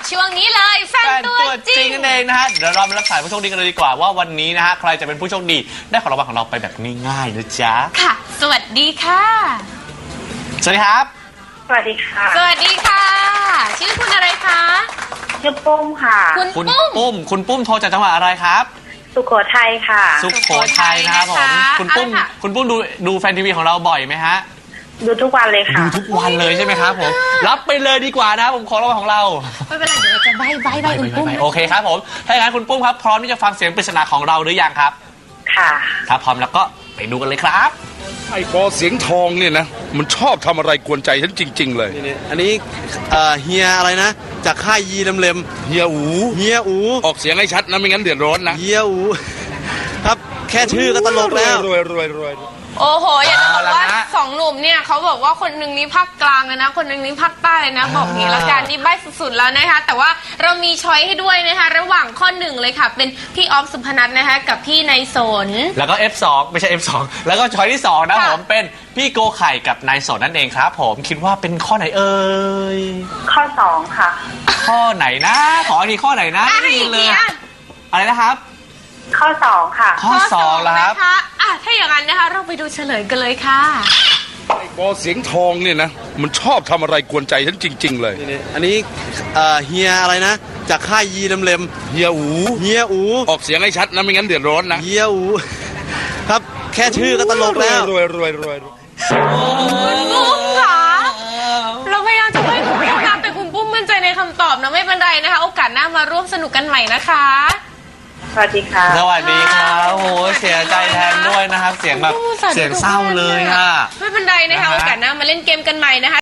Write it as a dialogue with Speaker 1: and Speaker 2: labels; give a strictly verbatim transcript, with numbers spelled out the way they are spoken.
Speaker 1: ช่วงนี้เลยแฟนตัวจริง
Speaker 2: นั่นเองนะฮะเดี๋ยวเรามารับสายผู้โชคดีกันเลยดีกว่าว่าวันนี้นะฮะใครจะเป็นผู้โชคดีได้ของรางวัลของเราไปแบบง่ายๆนะจ๊ะ
Speaker 1: ค่ะ สวัสดีค่ะ
Speaker 2: สวัสดีครับ
Speaker 3: สวัสดีค่ะ
Speaker 1: สวัสดีค่ะ ชื่อคุณอะไรคะ
Speaker 3: ชื่อปุ้มค่ะ
Speaker 1: คุณ
Speaker 2: คุณ
Speaker 1: ปุ้ม
Speaker 2: ปุ้มคุณปุ้มโทรจากจังหวัดอะไรครับ
Speaker 3: สุโขทัยค่ะ
Speaker 2: สุโขทัยนะครับผมคุณปุ้มคุณปุ้มดูดูแฟนทีวีของเราบ่อยไหมฮะ
Speaker 3: ดูทุกวันเลยค่ะ
Speaker 2: ดูทุกวันเลยใช่ไหมครับผมรับไปเลยดีกว่านะครับผมของรางวัลของเรา
Speaker 1: ไม่เป็นไรเดี๋ยวเราจะใบใบใบคุณปุ้ม
Speaker 2: โอเคครับผมถ้าอย่างนั้นคุณปุ้มครับพร้อมที่จะฟังเสียงปริศนาของเราหรือยังครับ
Speaker 3: ค่ะ
Speaker 2: ถ้าพร้อมแล้วก็ไปดูกันเลยครับ
Speaker 4: ไอ้ปอเสียงทองเนี่ยนะมันชอบทำอะไรกวนใจฉันจริง ๆ เลย
Speaker 5: นี่อันนี้เอ่อเฮียอะไรนะ จากค่ายยีลำเลม
Speaker 4: เฮียอู
Speaker 5: เฮียอู
Speaker 4: ออกเสียงให้ชัดนะไม่งั้นเดือดร้อนนะ
Speaker 5: เฮียอูครับแค่ชื่อก็ตลกแล้ว
Speaker 4: รวยรวยรวยรวย
Speaker 1: โอ้โห อยากจะบอกว่า
Speaker 2: เอาละฮะ
Speaker 1: สองหนุ่มเนี่ยเขาบอกว่าคนหนึ่งนี้ภาคกลางเลยนะ คนหนึ่งนี้ภาคใต้เลยนะ บอกงี้ละกันนี่ใบสุดๆแล้วนะคะ แต่ว่าเรามีช้อยให้ด้วยนะคะ ระหว่างข้อหนึ่งเลยค่ะ เป็นพี่ออฟสุพนัทนะคะ กับพี่นายสน
Speaker 2: แล้วก็ เอฟ สอง ไม่ใช่ เอฟ สอง แล้วก็ช้อยที่สองนะ
Speaker 1: ค่ะ
Speaker 2: ผมเป็นพี่โกไข่กับนายสนนั่นเองครับผมคิดว่าเป็นข้อไหนเอ่ย
Speaker 3: ข้อสองค่ะ
Speaker 2: ข้อไหนนะขออีกทีข้อไหนนะ
Speaker 1: อ่ะ
Speaker 2: ไม่ได้
Speaker 1: อี
Speaker 2: ยิ
Speaker 1: ก
Speaker 2: นเล
Speaker 1: ที
Speaker 2: ย
Speaker 1: อ่ะ
Speaker 2: อะไรนะครับ
Speaker 3: ข้อสองค่ะ
Speaker 2: ข้อสองแล้วครับ
Speaker 1: นะคะอ่ะถ้าอย่างนั้นนะคะ เราไปดูเฉลยกันเลยค่ะ
Speaker 4: ไอ้ปอเสียงทองเนี่ยนะมันชอบทำอะไรกวนใจฉันจริง ๆ เลย
Speaker 5: นี่อันนี้เอ่อเฮียอะไรนะ จากค่ายยีลำเลม
Speaker 4: เฮียอู
Speaker 5: เฮียอู
Speaker 4: ออกเสียงให้ชัดนะไม่งั้นเดือดร้อนนะ
Speaker 5: เฮียอูครับแค่ชื่อก็ตลกแล้ว
Speaker 4: รวยรวยรวยรวย
Speaker 1: คุณปุ้มค่ะเราพยายามจะให้คุณปุ้มนะแต่คุณปุ้มมั่นใจในคำตอบนะไม่เป็นไรนะคะ โอกาสหน้ามาร่วมสนุกกันใหม่นะคะ
Speaker 3: สวัสดีค่ะ
Speaker 2: สวัสดีครับโอ้โหเสียใจแทนด้วยนะครับ เสียงแบบเสียงเศร้าเลยค่ะ
Speaker 1: ไม่เป็นไรนะคะ
Speaker 2: นะฮะ
Speaker 1: โอกาสหน้ามาเล่นเกมกันใหม่นะคะ